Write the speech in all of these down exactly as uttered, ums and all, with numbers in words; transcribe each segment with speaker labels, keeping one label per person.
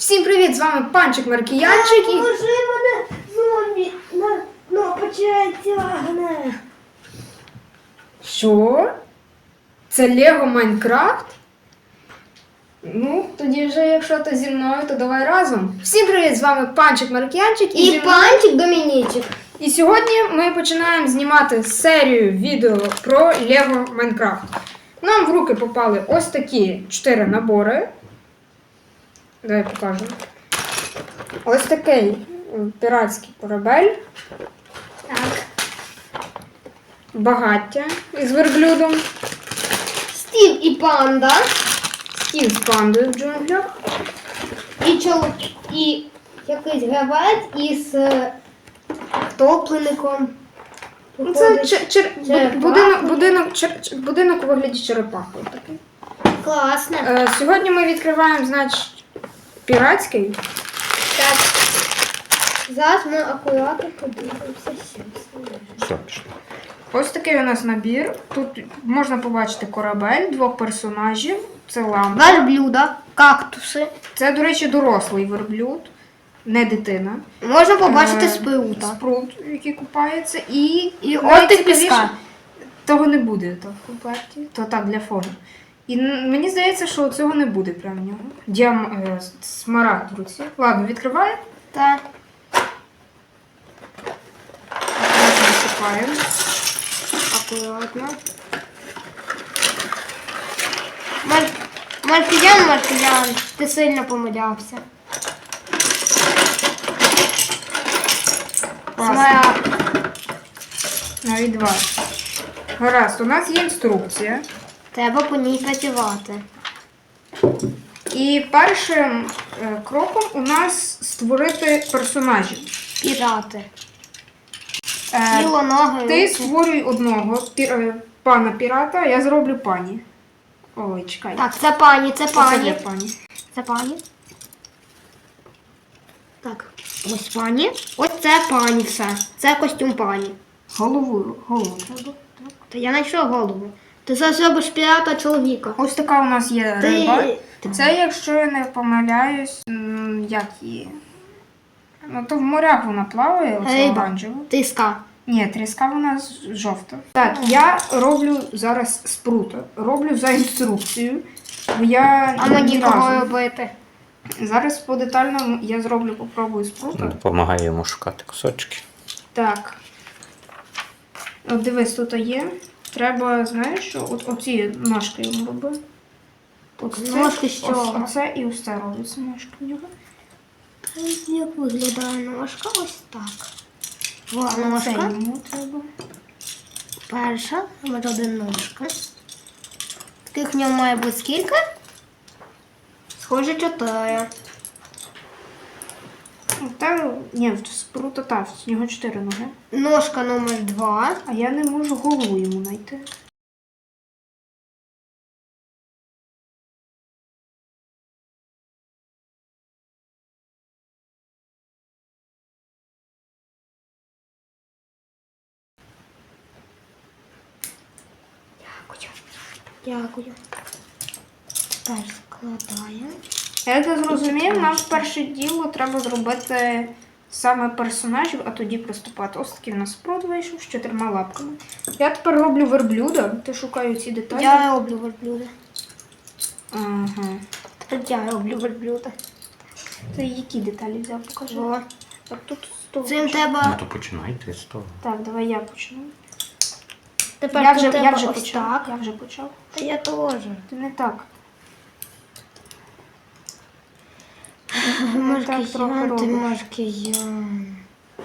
Speaker 1: Всім привіт! З вами Панчик Маркіянчик і...
Speaker 2: Поможи мене, зомбі, на, на почать тягне.
Speaker 1: Що? Це Лего Майнкрафт? Ну, тоді вже, якщо ти зі мною, то давай разом. Всім привіт! З вами Панчик Маркіянчик
Speaker 2: І
Speaker 1: зі мною-
Speaker 2: Панчик Домінічик.
Speaker 1: І сьогодні ми починаємо знімати серію відео про Лего Майнкрафт. Нам в руки попали ось такі чотири набори. Давай покажемо. Ось такий е, піратський корабель.
Speaker 2: Так.
Speaker 1: Багаття із верблюдом.
Speaker 2: Стів і панда.
Speaker 1: Стів з пандою в джунглях.
Speaker 2: І чол... і якийсь гравець із е, топлеником.
Speaker 1: Ну, Це чер- чер- бу-
Speaker 2: Черепахи.
Speaker 1: будинок, будинок, чер- чер- будинок у вигляді черепахи. Такий.
Speaker 2: Класно.
Speaker 1: Е, сьогодні ми відкриваємо, значить, піратський.
Speaker 2: Так. Зараз ми акуратно подивимося.
Speaker 3: Все, пішло.
Speaker 1: Ось такий у нас набір. Тут можна побачити корабель, двох персонажів. Це лампа.
Speaker 2: Верблюда, кактуси.
Speaker 1: Це, до речі, дорослий верблюд, не дитина.
Speaker 2: Можна побачити
Speaker 1: Е,
Speaker 2: спрута.
Speaker 1: Спрут, який купається. І,
Speaker 2: І
Speaker 1: найцікавіше,
Speaker 2: отик піска.
Speaker 1: Того не буде то в комплекті, то так для фону. І н- мені здається, що цього не буде прямо в нього. Діам е, смарагд в руці. Ладно, відкриваємо.
Speaker 2: Так.
Speaker 1: Насипаємо. Акуратно.
Speaker 2: Мар... Маркіян, Маркіян, ти сильно помилявся. Смарагд.
Speaker 1: Навіть два. Гаразд, у нас є інструкція.
Speaker 2: Треба по ній працювати.
Speaker 1: І першим е, кроком у нас створити персонажів.
Speaker 2: Пірати.
Speaker 1: Е,
Speaker 2: Тіло, ноги.
Speaker 1: Ти
Speaker 2: руки.
Speaker 1: створюй одного пі- е, пана пірата, а я зроблю пані. Ой, чекай.
Speaker 2: Так, це пані, це
Speaker 1: Оце для
Speaker 2: пані.
Speaker 1: пані.
Speaker 2: Це пані. Так, ось пані. Ось це пані все. Це костюм пані.
Speaker 1: Головою, голову треба. Так.
Speaker 2: Та я знайшов голову. Ти зараз робиш пірата чоловіка.
Speaker 1: Ось така у нас є
Speaker 2: Ти-
Speaker 1: риба. Це, якщо я не помиляюсь, м, як її. Ну, то в морях вона плаває, оце
Speaker 2: Риба.
Speaker 1: оранжева.
Speaker 2: Тиска.
Speaker 1: Ні, тріска вона з- жовта. Так, я роблю зараз спрута. Роблю за інструкцією. Бо я
Speaker 2: А
Speaker 1: ні
Speaker 2: мені кого
Speaker 1: разу-
Speaker 2: робити?
Speaker 1: Зараз по детальному я зроблю, попробую спрута.
Speaker 3: Допомагає йому шукати кусочки.
Speaker 1: Так. От дивись, тут є. Треба, знаєш, що от оці ножки йому роби. От це,
Speaker 2: Ножки з
Speaker 1: ось
Speaker 2: чого?
Speaker 1: Оце і ось це робиться ножки в нього.
Speaker 2: Ось як виглядає ножка, ось так. О,
Speaker 1: Це
Speaker 2: ножка.
Speaker 1: йому треба.
Speaker 2: Перша, номер один ножка. Таких в ньому має бути скільки? Схоже, чотири.
Speaker 1: Та, ні, в спрута та, в нього чотири ноги.
Speaker 2: Ножка номер два.
Speaker 1: А я не можу голову йому знайти.
Speaker 2: Дякую. Дякую. Тепер складаємо.
Speaker 1: Як я зрозумів, нам перше діло треба зробити саме персонажів, а тоді приступати. Ось такий в нас спрут вийшов з чотирма лапками. Я тепер роблю верблюда, ти шукаю ці деталі.
Speaker 2: Я роблю верблюда.
Speaker 1: Ага.
Speaker 2: Тепер я роблю верблюда.
Speaker 1: Ти які деталі взяв, покажи.
Speaker 2: О,
Speaker 1: Так, тут з того
Speaker 2: цим
Speaker 1: почну.
Speaker 3: Ну
Speaker 2: треба.
Speaker 3: то починайте з того.
Speaker 1: Так, давай я почну.
Speaker 2: Тепер
Speaker 1: Я
Speaker 2: тут
Speaker 1: вже, я
Speaker 2: треба
Speaker 1: вже
Speaker 2: ось
Speaker 1: почав.
Speaker 2: так.
Speaker 1: Я вже почав.
Speaker 2: Та я теж.
Speaker 1: Ти не так. Не так трохи
Speaker 2: Маркіян, ти
Speaker 1: робиш.
Speaker 2: маркіян.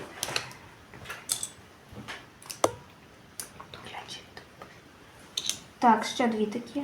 Speaker 1: Так, ще дві такі.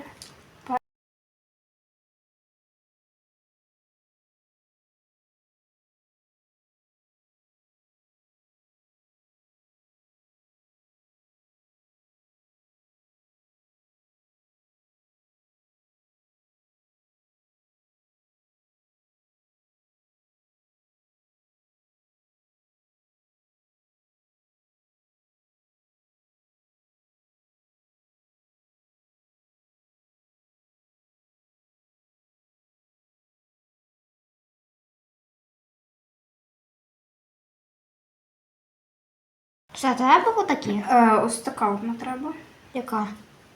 Speaker 2: Все, треба отакі?
Speaker 1: Е, ось така одна треба.
Speaker 2: Яка?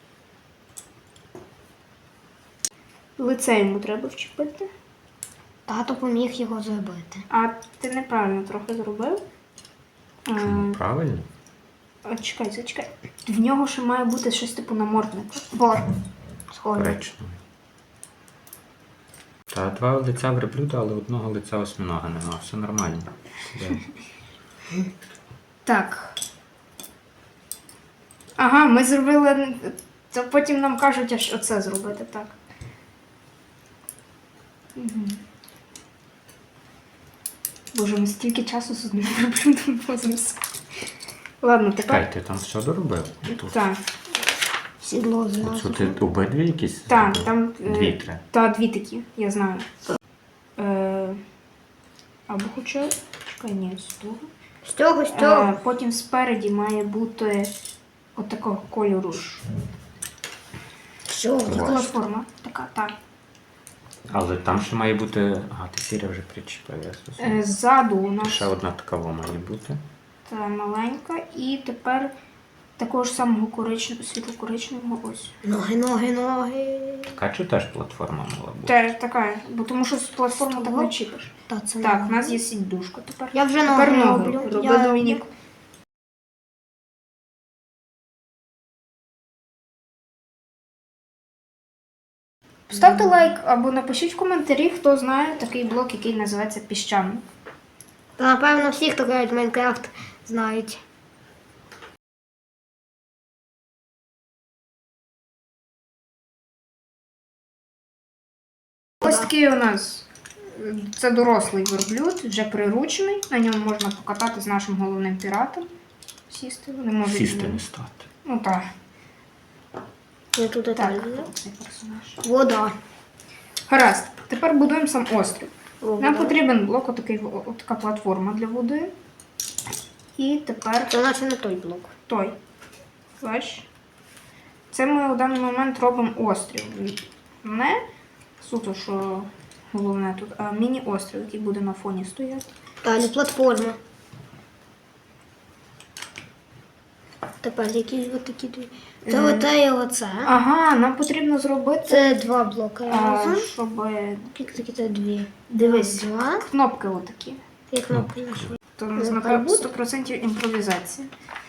Speaker 1: Лице йому треба вчепити.
Speaker 2: Тато поміг його зробити.
Speaker 1: А ти неправильно трохи зробив. Е,
Speaker 3: Чому правильно?
Speaker 1: а, чекай, зачекай. В нього ще має бути щось типу намордника.
Speaker 2: Бор. Схоже.
Speaker 3: Коричневий. Та два лиця верблюда, але одного лиця осьминога нема. Все нормально. Де?
Speaker 1: Так. Ага, ми зробили. То потім нам кажуть, аж оце зробити, так. Угу. Боже, ми стільки часу з одним верблюдом возимося. Ладно, тепер.
Speaker 3: Чекай, ти там все доробив? Тут.
Speaker 1: Так,
Speaker 2: Сідло
Speaker 3: Оцю
Speaker 2: зразу.
Speaker 3: ти обидві якісь?
Speaker 1: так,
Speaker 3: зробив?
Speaker 1: там. е,
Speaker 3: Дві три.
Speaker 1: Та, дві такі, я знаю. Е, або хоча. Чекай, ні, з того.
Speaker 2: З цього, з
Speaker 1: Е,
Speaker 2: цього.
Speaker 1: потім спереді має бути от такого кольору ж.
Speaker 2: З цього.
Speaker 3: Ось.
Speaker 1: Платформа. Така, так.
Speaker 3: Але там ще має бути. Ага, ти сіря вже причепив, я
Speaker 1: Е,
Speaker 3: зрозумів.
Speaker 1: ззаду у нас
Speaker 3: Ще одна така во має бути.
Speaker 1: та маленька. І тепер такого ж самого коричневого, світло-коричневого ось.
Speaker 2: Ноги, ноги, ноги.
Speaker 3: Така чи теж платформа мала бути?
Speaker 1: Теж така, бо тому що з платформи так не чіпиш.
Speaker 2: Та це
Speaker 1: Так,
Speaker 2: не-
Speaker 1: у нас є сідушка тепер.
Speaker 2: Я вже
Speaker 1: Тепер
Speaker 2: ноги
Speaker 1: ноги.
Speaker 2: роблю.
Speaker 1: Роби,
Speaker 2: Я-
Speaker 1: Домінік. Ставте лайк або напишіть в коментарі, хто знає такий блок, який називається піщаний.
Speaker 2: Та напевно всі, хто грають в Майнкрафт, знають.
Speaker 1: Ось такий у нас е, це дорослий верблюд, вже приручений. На ньому можна покатати з нашим головним піратом. Сісти. Вони можуть.
Speaker 3: Сісти не стати.
Speaker 1: Ну так.
Speaker 2: Я тут
Speaker 1: Так,
Speaker 2: деталі.
Speaker 1: цей персонаж.
Speaker 2: Вода.
Speaker 1: Гаразд. Тепер будуємо сам острів.
Speaker 2: Вода.
Speaker 1: Нам потрібен блок, отакий, о- така платформа для води. І тепер
Speaker 2: Це наче не той блок.
Speaker 1: той. Бач? Це ми у даний момент робимо острів. Не суто, що головне тут, а міні-острів, який буде на фоні стояти.
Speaker 2: Далі платформа. Тепер якісь от такі дві. Це
Speaker 1: Мгм.
Speaker 2: оте і оце.
Speaker 1: Ага, нам потрібно зробити,
Speaker 2: Це два блоки
Speaker 1: а,
Speaker 2: разом.
Speaker 1: щоб
Speaker 2: Скільки такі це дві?
Speaker 1: дивись,
Speaker 2: Два.
Speaker 1: кнопки отакі.
Speaker 2: Як кнопки нашли.
Speaker 1: То у нас
Speaker 2: Ну,
Speaker 1: напевно
Speaker 2: буде.
Speaker 1: сто відсотків імпровізація.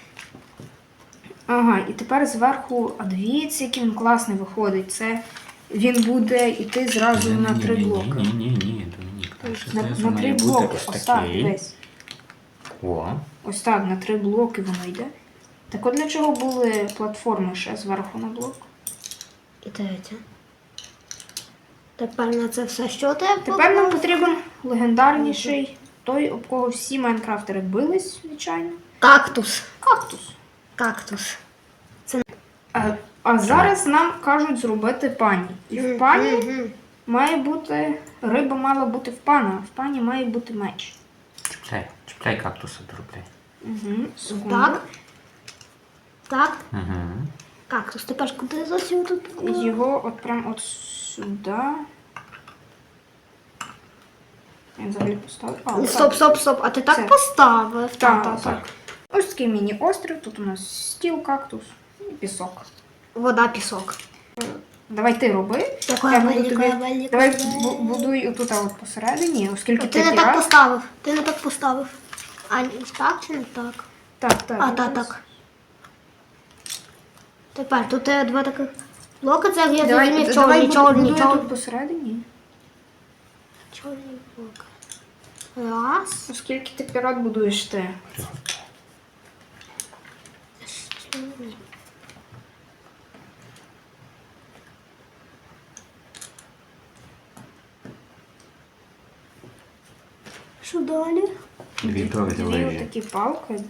Speaker 1: Ага, і тепер зверху, а дивіться, який він класний виходить. Це він буде йти зразу на три блоки.
Speaker 3: Ні, ні, ні, ні, Домінік. Там ще
Speaker 1: На,
Speaker 3: знизу
Speaker 1: на
Speaker 3: має
Speaker 1: три
Speaker 3: бути
Speaker 1: блоки.
Speaker 3: ось
Speaker 1: Ось так,
Speaker 3: такий.
Speaker 1: дивись.
Speaker 3: О,
Speaker 1: Ось так, на три блоки воно йде. Так от для чого були платформи ще зверху на блок?
Speaker 2: І третє. Тепер на це все що тебе?
Speaker 1: Тепер нам потрібен легендарніший, той, об кого всі майнкрафтери бились, звичайно.
Speaker 2: Кактус.
Speaker 1: Кактус.
Speaker 2: Кактус.
Speaker 1: А, а зараз нам кажуть зробити пані. І в пані
Speaker 2: Мгм.
Speaker 1: має бути, риба мала бути в пана, а в пані має бути меч.
Speaker 3: чіпляй, чіпляй кактуса, доробляй.
Speaker 1: Угу, секунду.
Speaker 2: Так. Так.
Speaker 3: Угу.
Speaker 2: Кактус. Тепер куди зовсім тут?
Speaker 1: Його от прям от сюди. Я взагалі поставив. А, отак.
Speaker 2: Стоп, стоп, стоп. А ти так
Speaker 1: Це.
Speaker 2: поставив?
Speaker 1: Так,
Speaker 2: Так,
Speaker 1: так. Ось такий міні-острів. Тут у нас стіл, кактус і пісок.
Speaker 2: Вода, пісок.
Speaker 1: Давай ти роби.
Speaker 2: Такое
Speaker 1: Я буду
Speaker 2: велике,
Speaker 1: тобі-
Speaker 2: велике.
Speaker 1: Давай бу- будуй отут от посередині, оскільки
Speaker 2: Ти
Speaker 1: ти
Speaker 2: не так
Speaker 1: пірат.
Speaker 2: поставив. Ти не так поставив. А ні, так чи не так?
Speaker 1: Так, так.
Speaker 2: А, так, так. Тепер тут є два таких блоки, це як я
Speaker 1: Давай,
Speaker 2: зрозумів,
Speaker 1: давай
Speaker 2: чорні,
Speaker 1: буду-
Speaker 2: чорні,
Speaker 1: будуй
Speaker 2: чорні.
Speaker 1: тут посередині.
Speaker 2: Чорні блоки. Раз.
Speaker 1: Оскільки ти пірат будуєш ти.
Speaker 2: Чорні. Що далі?
Speaker 3: Дві довгі
Speaker 1: Дві
Speaker 3: лижі.
Speaker 1: такі палки.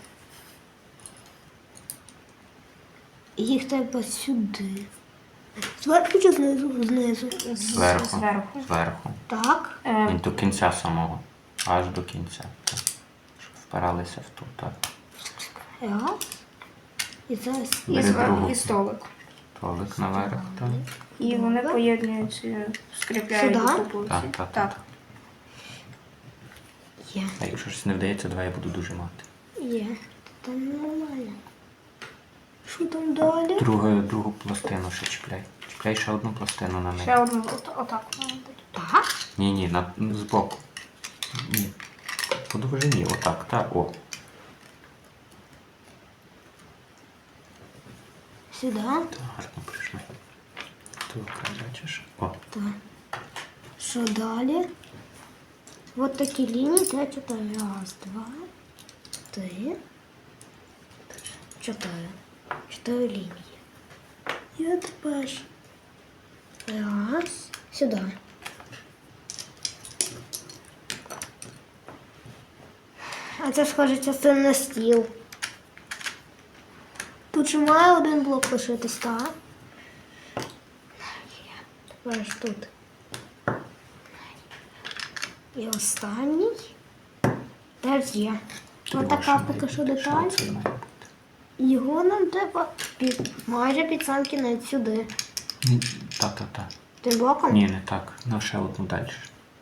Speaker 2: Їх треба сюди. Зверху чи знизу? Знизу.
Speaker 1: з-
Speaker 3: Зверху.
Speaker 1: Зверху.
Speaker 3: Зверху.
Speaker 2: Так.
Speaker 1: Е,
Speaker 3: І до кінця самого. Аж до кінця. Так. Щоб впиралися в ту, так.
Speaker 2: Раз. І зараз.
Speaker 1: і,
Speaker 3: Бери
Speaker 1: звер-
Speaker 3: другу.
Speaker 1: і столик.
Speaker 3: Толик наверх, так.
Speaker 1: І вони поєднуються, скріпляють
Speaker 2: Сюди?
Speaker 1: докупу.
Speaker 3: Так,
Speaker 1: всі.
Speaker 3: так, так.
Speaker 2: Є.
Speaker 3: А якщо щось не вдається, давай я буду дуже мати.
Speaker 2: Є. Та нормально. Що там далі?
Speaker 3: Другу, другу пластину ще чіпляй. Чіпляй ще одну пластину на
Speaker 1: Ще
Speaker 3: неї.
Speaker 1: одну от- отак має бути.
Speaker 2: Так?
Speaker 3: Ні, ні, на, збоку. Ні. По довжині, отак, так, о.
Speaker 2: Сюди.
Speaker 3: Так, гарно прийшли. Так, бачиш? О,
Speaker 2: Так. Що далі? Вот такі лінії, та чотири. Раз, два, три, чотири. Чотири лінії. Я тепер. Раз. Сюди. А це схоже частина на стіл. Тут же має один блок лишитись, так? Тепер ж тут. І останній. Теж є. Ось така поки що деталь.
Speaker 3: Це має бути.
Speaker 2: Його нам треба під, майже під сам кінець сюди.
Speaker 3: Ні, Та-та-та.
Speaker 2: Тим блоком?
Speaker 3: Ні, не так. Ну, ще одну далі.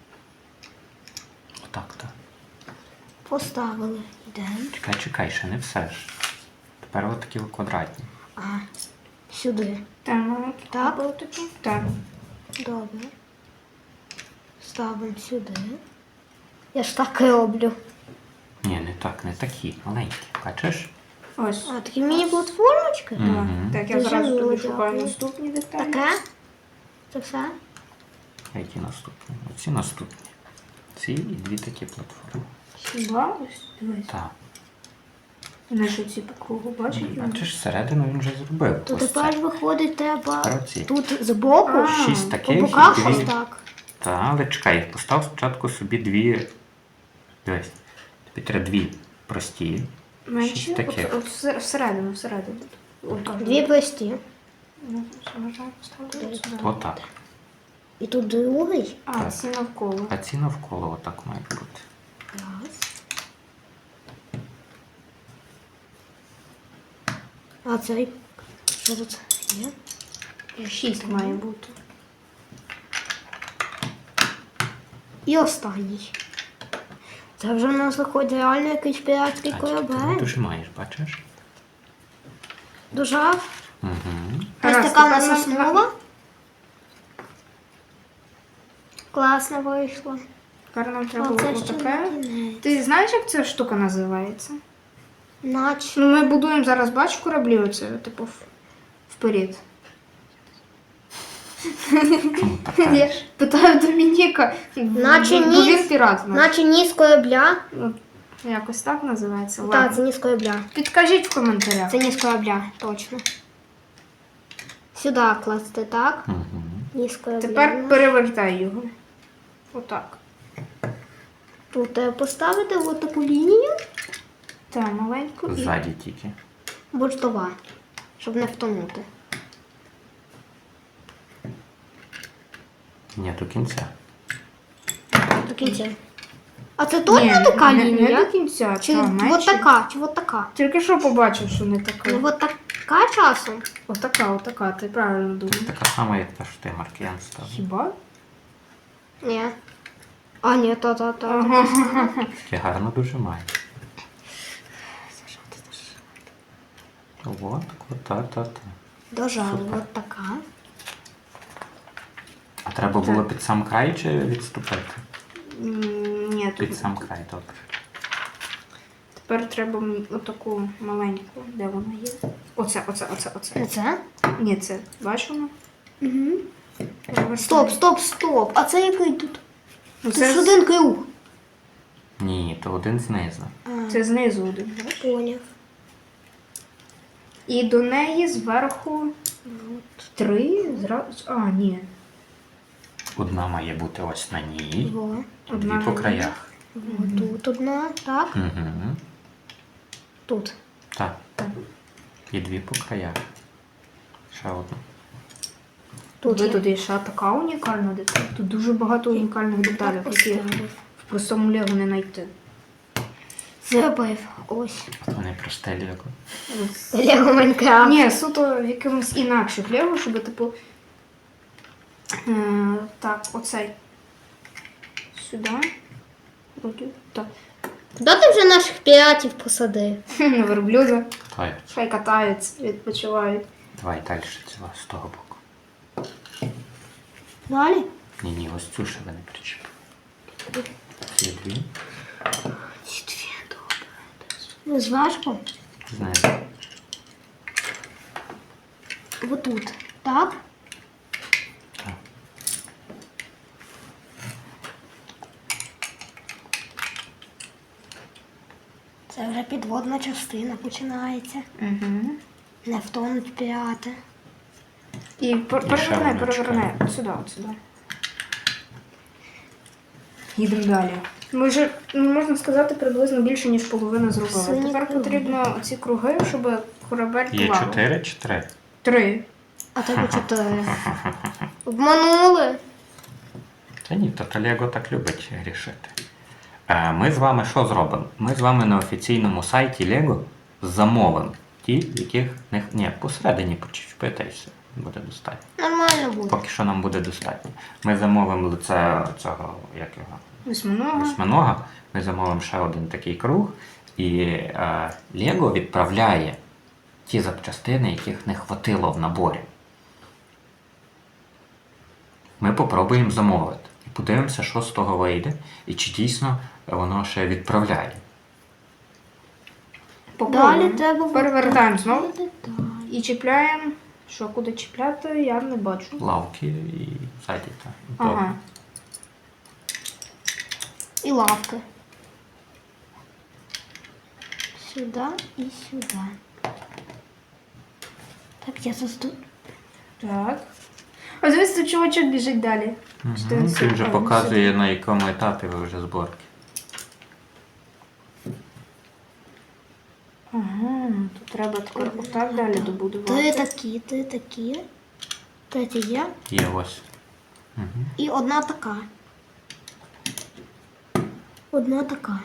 Speaker 3: Отак, так.
Speaker 2: Поставили. Йдемо.
Speaker 3: Чекай, чекай, ще не все ж. Тепер от такі квадратні.
Speaker 2: А, сюди.
Speaker 1: Так, маленький.
Speaker 2: Так?
Speaker 1: Був такий? Так.
Speaker 2: Добре. Ставимо сюди. Я ж так і роблю.
Speaker 3: Ні, не так, не такі. Маленькі. Бачиш?
Speaker 1: Ось.
Speaker 2: А, такі міні-платформочки?
Speaker 3: Мгм.
Speaker 1: Так, я
Speaker 2: Дуже
Speaker 1: зразу тобі
Speaker 2: мило,
Speaker 1: шукаю
Speaker 2: дякую.
Speaker 1: наступні деталі.
Speaker 2: Таке? Це все?
Speaker 3: Які наступні? Оці наступні. Ці і дві такі платформи.
Speaker 1: Хіба ось? Дивись.
Speaker 3: Так.
Speaker 1: Наші ці по кругу, бачиш?
Speaker 3: Бачиш, середину він вже зробив.
Speaker 2: То
Speaker 3: Ось
Speaker 2: тепер
Speaker 3: це.
Speaker 2: виходить треба
Speaker 3: Тепер оці.
Speaker 2: тут збоку,
Speaker 1: А,
Speaker 3: Шість
Speaker 2: по
Speaker 3: таких
Speaker 2: боках
Speaker 3: і
Speaker 2: ось
Speaker 3: дві.
Speaker 2: так.
Speaker 3: Та, але чекай, постав спочатку собі дві. Дивись. Тобі треба дві прості.
Speaker 1: Менше?
Speaker 3: Шість таких.
Speaker 1: От, от всер- всередину, всередину. От так.
Speaker 2: Дві прості.
Speaker 1: Ну, що, можна поставити сюди.
Speaker 3: Отак.
Speaker 2: І тут другий.
Speaker 1: А,
Speaker 3: Так.
Speaker 1: ці навколо.
Speaker 3: А ці навколо отак мають бути.
Speaker 2: Раз. А цей. Що тут є?
Speaker 1: Шість має бути.
Speaker 2: І останній. Це вже в нас виходить реально якийсь піратський
Speaker 3: А, ти
Speaker 2: корабель.
Speaker 3: дуже маєш, бачиш?
Speaker 2: Дожав.
Speaker 3: Угу.
Speaker 2: Ось
Speaker 1: Гаразд,
Speaker 2: така у нас
Speaker 1: тепер нам-
Speaker 2: основа. Класно вийшло.
Speaker 1: Тепер нам треба
Speaker 2: А це
Speaker 1: було
Speaker 2: ще
Speaker 1: таке.
Speaker 2: не кінець.
Speaker 1: Ти знаєш, як ця штука називається?
Speaker 2: Наче.
Speaker 1: Ну, ми будуємо зараз, бач, кораблі оце, типу, в- вперед. Я ж питаю Домініка.
Speaker 2: Наче
Speaker 1: бо
Speaker 2: ніс.
Speaker 1: він пірат. у нас.
Speaker 2: Наче ніс корабля.
Speaker 1: Ну, якось так називається.
Speaker 2: Так,
Speaker 1: Ладно.
Speaker 2: це ніс корабля.
Speaker 1: Підкажіть в коментарях.
Speaker 2: Це ніс корабля, точно. Сюди класти, так?
Speaker 3: Угу.
Speaker 2: Ніс корабля.
Speaker 1: Тепер перевертай його. Отак.
Speaker 2: Тут треба поставити от таку лінію.
Speaker 1: Та маленьку. і-
Speaker 3: Ззаді тільки.
Speaker 2: Бортова, щоб не втонути.
Speaker 3: Ні, до кінця.
Speaker 2: До кінця. А це точно
Speaker 1: Ні,
Speaker 2: така
Speaker 1: не,
Speaker 2: лінія?
Speaker 1: Не до кінця,
Speaker 2: Чи
Speaker 1: та,
Speaker 2: от
Speaker 1: менше.
Speaker 2: така, чи от така?
Speaker 1: Тільки що побачив, що не така.
Speaker 2: Ну от така часом.
Speaker 1: Отака, отака, ти правильно думаєш.
Speaker 3: Така сама, як та, що ти Маркіян ставив.
Speaker 1: Хіба?
Speaker 2: Ні. А, ні, то, то, то.
Speaker 1: Ага.
Speaker 3: Таке гарно дуже має. От, та, та, та.
Speaker 2: Дожали,
Speaker 3: Супер.
Speaker 2: от така.
Speaker 3: А треба було під сам край чи відступити?
Speaker 1: М, Ні, тут
Speaker 3: Під сам край, добре.
Speaker 1: тепер треба мені отаку маленьку. Де вона є? Оце, оце, оце, оце.
Speaker 2: Не це?
Speaker 1: Ні, це. Бачиш воно?
Speaker 2: Угу.
Speaker 1: Перевертай.
Speaker 2: Стоп, стоп, стоп. А це який тут?
Speaker 1: Ну,
Speaker 2: Тут
Speaker 1: це,
Speaker 2: ж
Speaker 1: з-
Speaker 2: один круг.
Speaker 3: Ні, то один знизу.
Speaker 2: А,
Speaker 1: це знизу один, бачиш?
Speaker 2: поняв.
Speaker 1: І до неї зверху три. Зразу. А, ні.
Speaker 3: Одна має бути ось на ній,
Speaker 2: Во.
Speaker 1: Одна
Speaker 3: дві по
Speaker 1: на ній.
Speaker 3: краях.
Speaker 2: Во, тут одна, так?
Speaker 3: Угу.
Speaker 2: Тут.
Speaker 3: Так. І дві по краях. Ще одну.
Speaker 2: Тут
Speaker 1: Ви
Speaker 2: є.
Speaker 1: тут є ще така унікальна деталь. Тут дуже багато унікальних деталей, які
Speaker 2: Поставив.
Speaker 1: в простому лего не знайти.
Speaker 2: Зробив. Ось.
Speaker 3: От вони просте лего.
Speaker 2: Лего Майнкрафт.
Speaker 1: Ні, суто в якомусь інакших лего, щоб, типу. Е, так, оцей. Сюди. Вроді, так.
Speaker 2: Куди ти вже наших піратів посадив?
Speaker 1: На верблюда.
Speaker 3: Той.
Speaker 1: Хай катаються, відпочивають.
Speaker 3: Давай далі цього, з того боку.
Speaker 2: Далі?
Speaker 3: Ні, ні, ось цю ще ви не причепили. Ці дві.
Speaker 2: Ці дві, добре. Ну, зважко.
Speaker 3: Знизу.
Speaker 2: Отут. Так?
Speaker 3: Так.
Speaker 2: Це вже підводна частина починається.
Speaker 1: Угу.
Speaker 2: Не втонуть пірати.
Speaker 1: І пер-
Speaker 3: І ще
Speaker 1: переверни,
Speaker 3: одна
Speaker 1: переверни.
Speaker 3: чекає.
Speaker 1: От сюди, от сюди. Їдемо далі. Ми вже, ну, можна сказати, приблизно більше, ніж половину зробили.
Speaker 2: Сині
Speaker 1: Тепер
Speaker 2: круги.
Speaker 1: потрібно оці круги, щоб корабель
Speaker 3: Є
Speaker 1: плавав.
Speaker 3: чотири чи три?
Speaker 1: Три.
Speaker 2: А тебе чотири. Обманули.
Speaker 3: Та ні, то Талего так любить грішити. Е, Ми з вами що зробимо? Ми з вами на офіційному сайті Lego замовимо ті, яких не... Ні, посередині почепити і все. Буде достатньо.
Speaker 2: Нормально буде.
Speaker 3: Поки що нам буде достатньо. Ми замовимо лице цього, як його,
Speaker 1: Восьминога.
Speaker 3: восьминога. Ми замовимо ще один такий круг. І е, Lego відправляє ті запчастини, яких не хватило в наборі. Ми попробуємо замовити. І подивимося, що з того вийде, і чи дійсно воно ще відправляє.
Speaker 1: Попробуємо.
Speaker 2: Далі треба
Speaker 1: Перевертаємо знову.
Speaker 2: деталі.
Speaker 1: І чіпляємо. Що, куди чіпляти, я не бачу.
Speaker 3: Лавки і ззаді. Та.
Speaker 1: Ага.
Speaker 2: І лавки. Сюди і сюди. Так, я заступ.
Speaker 1: Так. Ось дивись, тут чувачок біжить далі.
Speaker 3: Угу.
Speaker 1: Що він
Speaker 3: Він вже
Speaker 1: супер,
Speaker 3: показує, на якому етапі ви вже зборки.
Speaker 1: Ага, тут треба тепер отак далі
Speaker 2: Ти
Speaker 1: добудувати.
Speaker 2: такі, ти такі. Третя є.
Speaker 3: Є ось. Угу.
Speaker 2: І одна така. Одна така.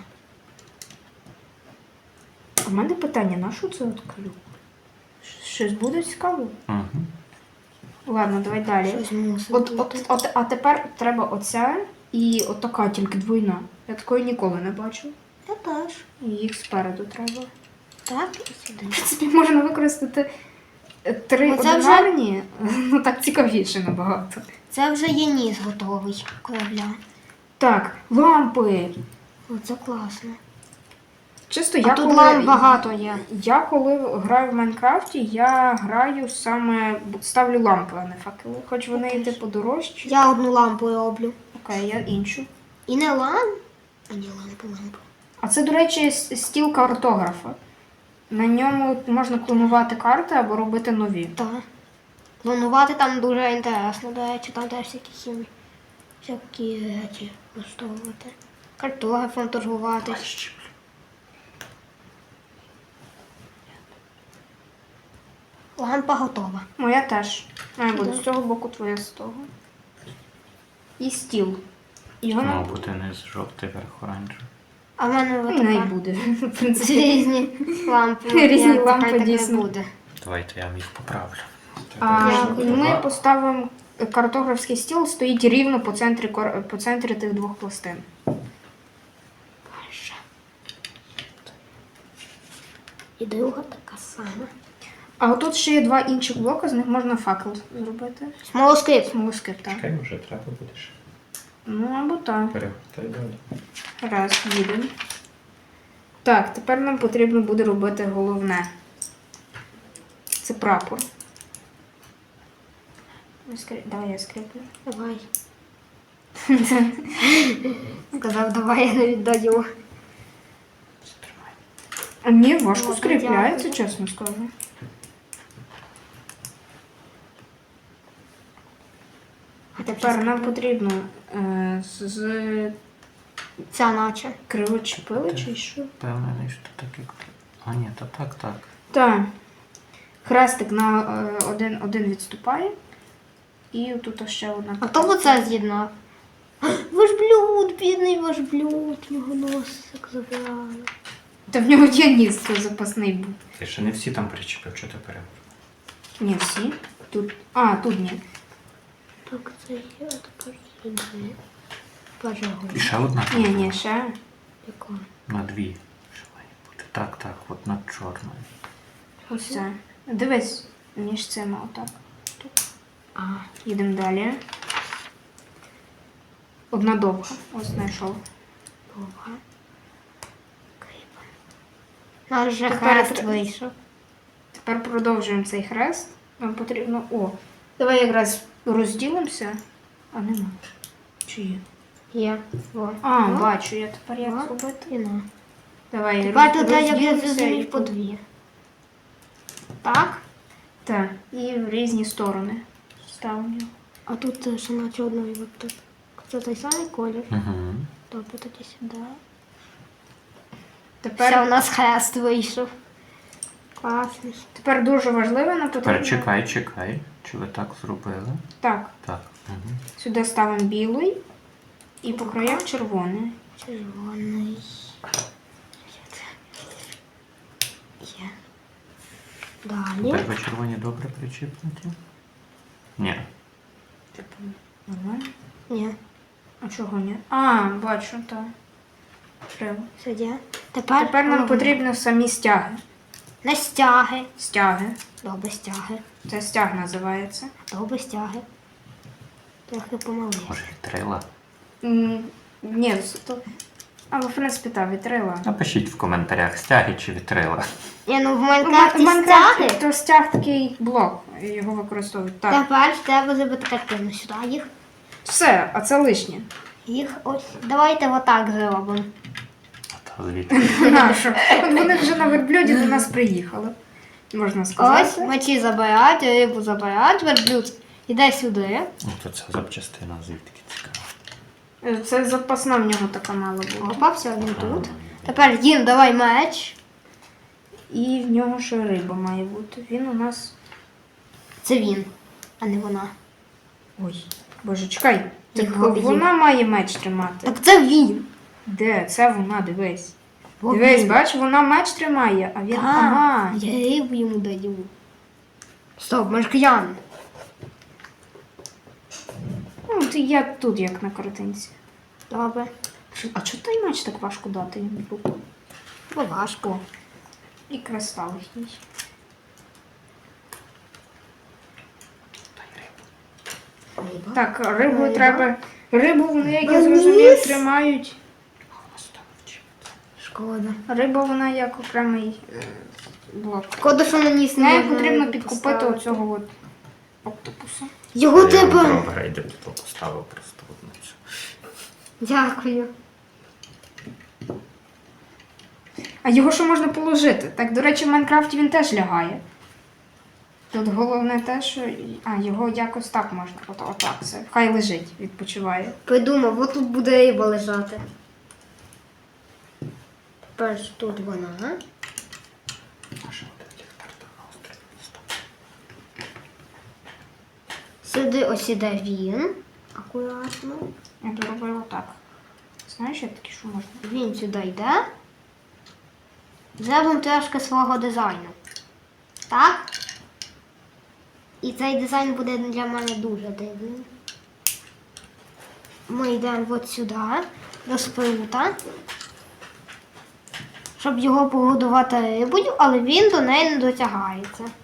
Speaker 1: А в мене питання, на що це от клюк? Щось буде цікаво?
Speaker 3: Угу.
Speaker 1: Ладно, давай далі.
Speaker 2: Щось мусить
Speaker 1: От,
Speaker 2: бути.
Speaker 1: от, от, а тепер треба оця і от така тільки двойна. Я такої ніколи не бачу.
Speaker 2: Я теж.
Speaker 1: І їх спереду треба.
Speaker 2: Так, і сюди.
Speaker 1: В принципі, можна використати е, три
Speaker 2: Ну, це вже-
Speaker 1: одинарні, ну так цікавіше набагато.
Speaker 2: Це вже є ніс готовий корабля.
Speaker 1: Так, лампи.
Speaker 2: Оце класно.
Speaker 1: Чисто
Speaker 2: А
Speaker 1: я
Speaker 2: тут
Speaker 1: коли,
Speaker 2: ламп багато є.
Speaker 1: Я коли граю в Майнкрафті, я граю саме, ставлю лампи, а не факели. Хоч вони і типу дорожчі.
Speaker 2: Я одну лампу роблю.
Speaker 1: Окей, я іншу.
Speaker 2: І не ламп. А ні, лампу, лампу.
Speaker 1: А це, до речі, с- стіл картографа. На ньому можна клонувати карти або робити нові.
Speaker 2: Так. Планувати там дуже інтересно, до речі, там теж всякі хімії. Всякі речі влаштовувати. Картографом торгувати. Лампа готова.
Speaker 1: Моя теж. Має бути
Speaker 2: Да.
Speaker 1: з цього боку, твоя з того. І стіл. Його
Speaker 3: Мав
Speaker 1: нам
Speaker 3: бути низ жовтий, верх оранжевий.
Speaker 2: А в мене
Speaker 1: і не
Speaker 2: отака.
Speaker 1: буде. В
Speaker 2: Це
Speaker 1: принципі.
Speaker 2: різні лампи.
Speaker 1: Різні
Speaker 2: Ні,
Speaker 1: лампи,
Speaker 2: нехай так не
Speaker 1: дійсно.
Speaker 2: буде.
Speaker 3: Давайте я вам їх поправлю.
Speaker 1: А
Speaker 2: Я
Speaker 1: ми поставимо картографський стіл, стоїть рівно по центрі, кор- по центрі тих двох пластин.
Speaker 2: Перша. І друга така сама.
Speaker 1: А отут ще є два інших блоки, з них можна факел зробити.
Speaker 2: Смолоскип.
Speaker 1: Смолоскип, так.
Speaker 3: Чекай, вже треба будеш.
Speaker 1: Ну або так.
Speaker 3: Перевертай далі.
Speaker 1: Раз, їдемо. Так, тепер нам потрібно буде робити головне. Це прапор. Я скрі- Давай я скріплю.
Speaker 2: Давай. Сказав, давай я не віддаю.
Speaker 3: Стримай.
Speaker 1: А ні, важко
Speaker 2: Ну,
Speaker 1: скріпляється,
Speaker 2: дякую.
Speaker 1: чесно скажу. А тепер нам потрібно е, з, з
Speaker 2: Ця наче.
Speaker 1: кривочепили чи що?
Speaker 3: Впевнений, що так як. А ні, то так, так.
Speaker 1: Так. Хрестик на е, один, один відступає. І тут ще одна.
Speaker 2: А хто б це з'єднав? Ваш блюд, бідний ваш блюд, його носик забирали.
Speaker 1: Та в нього є ніс, це запасний був.
Speaker 3: Ти ще не всі там причепив, що ти перевернув.
Speaker 1: Ні, всі. Тут. А, тут ні.
Speaker 2: Так, це є, а тепер сюди. Пожалуй.
Speaker 3: І ще одна.
Speaker 1: Ні, ні, ще.
Speaker 2: Яка?
Speaker 3: На дві. Що має бути? Так, так, от над чорною.
Speaker 1: Ось це. Дивись між цими отак. Тут. А, їдемо далі. Одна довга. Ось знайшов.
Speaker 2: Довга. Наш же
Speaker 1: Тепер
Speaker 2: хрест
Speaker 1: тр-
Speaker 2: вийшов.
Speaker 1: Тепер продовжуємо цей хрест. Нам потрібно. О, давай якраз розділимося. А нема. Чи є?
Speaker 2: Є. Во.
Speaker 1: А,
Speaker 2: Во.
Speaker 1: бачу, я тепер як
Speaker 2: Во.
Speaker 1: зробити.
Speaker 2: І на.
Speaker 1: Давай
Speaker 2: Тепер
Speaker 1: роз-
Speaker 2: тут як я
Speaker 1: розділимося
Speaker 2: зрозумів
Speaker 1: і
Speaker 2: по дві. Так?
Speaker 1: Так, і в різні сторони ставимо.
Speaker 2: А тут е, ще наче одної от тут. Це той самий колір.
Speaker 3: Угу.
Speaker 2: Добре, тоді сюди.
Speaker 1: Тепер,
Speaker 2: Все, у нас хрест вийшов. Класний.
Speaker 1: тепер дуже важливо нам потрібно.
Speaker 3: Тепер чекай, чекай. Чи ви так зробили?
Speaker 1: Так,
Speaker 3: Так. Угу.
Speaker 1: сюди ставимо білий і по краях червоний.
Speaker 2: Червоний. Є. Далі.
Speaker 3: Тепер ви червоні добре причіпнуті? Ні.
Speaker 1: Типу, нормально?
Speaker 2: Ні.
Speaker 1: А чого ні? А, бачу, так. Треба.
Speaker 2: Сюди. Тепер,
Speaker 1: Тепер нам
Speaker 2: головне.
Speaker 1: потрібно самі стяги.
Speaker 2: Не стяги.
Speaker 1: Стяги.
Speaker 2: Добре, стяги.
Speaker 1: Це стяг називається.
Speaker 2: Добре, стяги. Трохи помалився.
Speaker 3: Може, вітрила?
Speaker 1: М, Ні, з- то. Але, в принципі, так, вітрила.
Speaker 3: Напишіть в коментарях, стяги чи вітрила.
Speaker 2: Ні, ну в
Speaker 1: В
Speaker 2: Майнкрафті
Speaker 1: Майнкрафті
Speaker 2: стяги.
Speaker 1: то стяг такий блок, його використовують. Так.
Speaker 2: Тепер треба зробити картину сюди. Їх.
Speaker 1: Все, а це лишнє.
Speaker 2: Їх ось. Давайте отак зробимо.
Speaker 3: Та звідки?
Speaker 1: Нащо? От вони вже на верблюді до нас приїхали. Можна
Speaker 2: Ось
Speaker 1: сказати.
Speaker 2: мечі забирають, рибу забирають, верблюд іде сюди.
Speaker 3: Ну, то це запчастина звідки цікаво.
Speaker 1: Е, Це запасна в нього така мала була.
Speaker 2: Попався він тут. Тепер їм давай меч.
Speaker 1: І в нього ще риба має бути. Він у нас.
Speaker 2: Це він, а не вона.
Speaker 1: Ой, боже, чекай. Так
Speaker 2: Його
Speaker 1: вона має меч тримати.
Speaker 2: Так це він.
Speaker 1: Де? Це вона, дивись.
Speaker 2: Бо
Speaker 1: Дивись,
Speaker 2: він.
Speaker 1: бач, вона меч тримає, а він.
Speaker 2: Так,
Speaker 1: Ага.
Speaker 2: я рибу йому даю. Стоп, ми ж кияни.
Speaker 1: Ну, ти я тут, як на картинці.
Speaker 2: Добре.
Speaker 1: Що- А чого той меч так важко дати йому в руку?
Speaker 2: Бо важко.
Speaker 1: І кристал їхній.
Speaker 2: Риба.
Speaker 1: Так, рибу
Speaker 2: Риба.
Speaker 1: треба. Рибу вони, як я
Speaker 2: Вниз.
Speaker 1: зрозумів, тримають.
Speaker 2: Шкода.
Speaker 1: Риба вона як окремий е, блок.
Speaker 2: Шкода, що на ніс не
Speaker 1: Нею
Speaker 2: можна
Speaker 1: потрібно
Speaker 2: рибу
Speaker 1: підкупити
Speaker 2: поставити.
Speaker 1: оцього от октопуса.
Speaker 2: Його треба.
Speaker 3: Добре, йде тут поставив просто одну цю.
Speaker 2: Дякую.
Speaker 1: А його що можна положити? Так, до речі, в Майнкрафті він теж лягає. Тут головне те, що. А, його якось так можна. От, отак все. Хай лежить, відпочиває.
Speaker 2: Придумав, от тут буде риба лежати. Тепер ж тут вона.
Speaker 3: А що один ліхтар там на острові став?
Speaker 2: Сюди ось іде він. Акуратно.
Speaker 1: Я доробила так. Знаєш, як такі, що можна?
Speaker 2: Він сюди йде. Зробимо трошки свого дизайну. Так? І цей дизайн буде для мене дуже дивним. Ми йдемо от сюди, до спрута, щоб його погодувати рибою, але він до неї не дотягається.